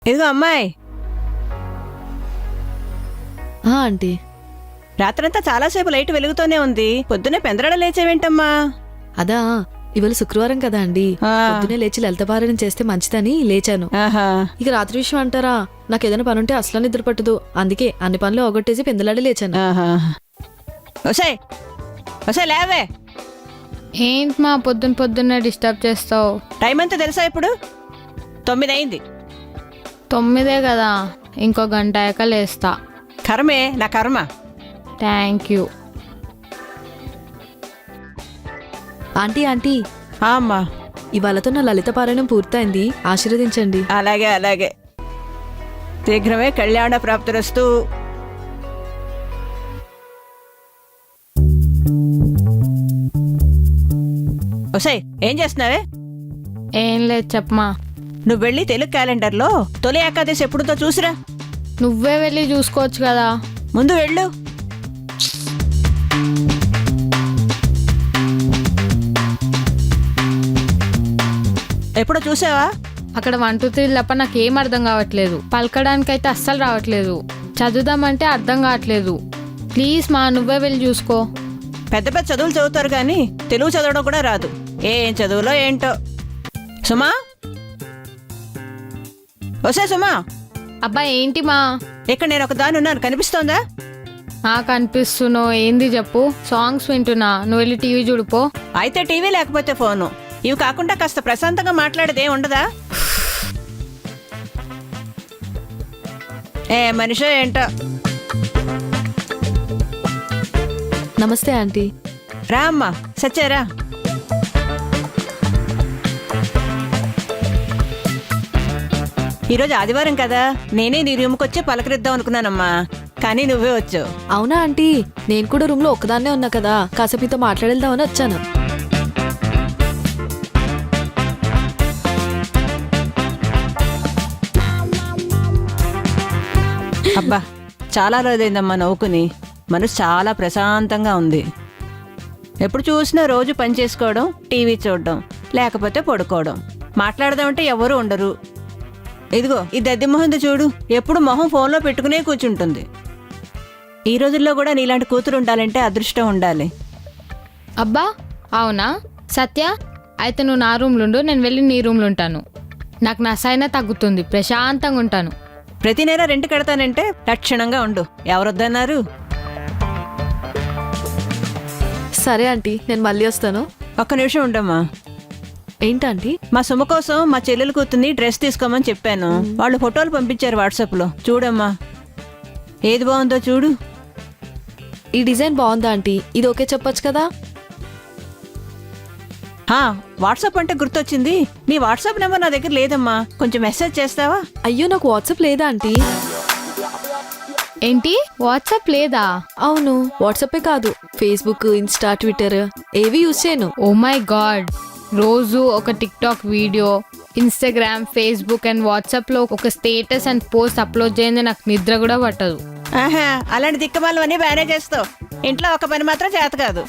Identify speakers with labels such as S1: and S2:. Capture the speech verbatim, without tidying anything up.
S1: ఇదిగో అమ్మాయి.
S2: ఆంటీ,
S1: రాత్రంతా చాలాసేపు లైట్ వెలుగుతూనే ఉంది. పొద్దునే పెందరాడ లేచేవేంటమ్మా?
S2: అదా ఇవాళ శుక్రవారం కదా అండి,
S1: ఆ.
S2: పొద్దునే లేచి లలితపారాయణం చేస్తే మంచిదని లేచాను.
S1: ఆహా.
S2: ఇక రాత్రి విషయం అంటారా, నాకు ఏదైనా పని ఉంటే అసలు నిద్ర పట్టదు. అందుకే అన్ని పనులు ఒగొట్టేసి పెందలాడి లేచాను.
S1: ఆహా. ఒసేయ్ ఒసేయ్ లేవే.
S3: ఏంటి మా పొద్దున్న పొద్దున్నే డిస్టర్బ్ చేస్తావు?
S1: టైం అంతా తెలుసా ఇప్పుడు? తొమ్మిది అయింది.
S3: తొమ్మిదే కదా, ఇంకో గంట అయ్యాక లేస్తా.
S1: కర్మే నా కర్మ.
S3: Thank you.
S2: ఆంటీ ఆంటీ
S1: ఆ అమ్మా.
S2: ఇవాళతో నా లలితపారాయణం పూర్తయింది, ఆశీర్వదించండి.
S1: అలాగే అలాగే. శీఘ్రమే కళ్యాణ ప్రాప్తిరస్తు. ఒసేయ్ ఏం చేస్తున్నావే?
S3: ఏం లేదు చెప్పమా.
S1: నువ్వు వెళ్ళి తెలుగు క్యాలెండర్లో తొలి ఏకాదశి ఎప్పుడుతో చూసిరా.
S3: నువ్వే వెళ్ళి చూసుకోవచ్చు కదా.
S1: ముందు వెళ్ళు. ఎప్పుడో చూసావా?
S3: అక్కడ వన్ టూ త్రీ తప్ప నాకేం అర్థం కావట్లేదు. పలకడానికైతే అస్సలు రావట్లేదు. చదువుదామంటే అర్థం కావట్లేదు. ప్లీజ్ మా, నువ్వే వెళ్ళి చూసుకో.
S1: పెద్ద పెద్ద చదువులు చదువుతారు కానీ తెలుగు చదవడం కూడా రాదు. ఏం చదువులో ఏంటో. సుమా, వసే సుమా.
S3: అబ్బా ఏంటి మా?
S1: ఇక్కడ నేను ఒక దాని ఉన్నాను, కనిపిస్తోందా?
S3: నాకు అనిపిస్తున్నావు. ఏంది చెప్పు. సాంగ్స్ వింటున్నా, నువ్వు వెళ్ళి టీవీ చూడుపో.
S1: అయితే టీవీ లేకపోతే ఫోను. ఇవి కాకుండా కాస్త ప్రశాంతంగా మాట్లాడేదే ఉండదా? ఏ మనిషో ఏంటో.
S2: నమస్తే ఆంటీ.
S1: రా అమ్మా, సచ్చారా. ఈరోజు ఆదివారం కదా, నేనే నీ రూమ్కి వచ్చి పలకరిద్దాం అనుకున్నానమ్మా, కానీ నువ్వే వచ్చావు.
S2: అవునా ఆంటీ, నేను కూడా రూమ్ లో ఒక్కదాన్నే ఉన్నా కదా, కాసేపు మీతో మాట్లాడేద్దామని వచ్చాను.
S1: అబ్బా చాలా రోజైందమ్మా నవ్వుకుని. మనసు చాలా ప్రశాంతంగా ఉంది. ఎప్పుడు చూసినా రోజు పని చేసుకోవడం, టీవీ చూడడం, లేకపోతే పడుకోవడం. మాట్లాడదామంటే ఎవరూ ఉండరు. ఇదిగో ఈ దద్ది మొహంది చూడు, ఎప్పుడు మొహం ఫోన్లో పెట్టుకునే కూర్చుంటుంది. ఈ రోజుల్లో కూడా నీలాంటి కూతురు ఉండాలంటే అదృష్టం ఉండాలి.
S3: అబ్బా అవునా సత్య? అయితే నువ్వు నా రూమ్లో ఉండు, నేను వెళ్ళి నీ రూమ్లో ఉంటాను. నాకు నసైనా తగ్గుతుంది, ప్రశాంతంగా ఉంటాను.
S1: ప్రతి నెల రెంట్ కడతానంటే లక్షణంగా ఉండు. ఎవరొద్దన్నారు?
S2: సరే ఆంటీ, నేను మళ్ళీ వస్తాను.
S1: ఒక్క నిమిషం ఉండమ్మా.
S2: ఏంటంటీ?
S1: మా సుమ కోసం మా చెల్లెలు కూతుర్ని డ్రెస్ తీసుకోమని చెప్పాను. వాళ్ళు ఫోటోలు పంపించారు వాట్సాప్లో. చూడమ్మా, ఏది బాగుందో చూడు.
S2: ఈ డిజైన్ బాగుందా ఆంటీ? ఇది ఓకే చెప్పొచ్చు కదా.
S1: హా, వాట్సాప్ అంటే గుర్తొచ్చింది. నీ వాట్సాప్ నెంబర్ నా దగ్గర లేదమ్మా, కొంచెం మెసేజ్ చేస్తావా?
S2: అయ్యో, నాకు వాట్సాప్ లేదా ఆంటీ?
S3: ఏంటి వాట్సాప్ లేదా?
S2: అవును, వాట్సాపే కాదు, ఫేస్బుక్, ఇన్స్టా, ట్విట్టర్ ఏవి యూజ్ చేయను.
S3: ఓ మై గాడ్, రోజు ఒక TikTok video, Instagram, Facebook and WhatsApp లో ఒక స్టేటస్ అండ్ పోస్ట్ అప్లోడ్ చేయండి, నాకు నిద్ర కూడా పట్టదు.
S1: ఆహా, అలాంటి దిక్కమాలవన్నీ బాగానే చేస్తావు. ఇంట్లో ఒక పని మాత్రం చేత కాదు.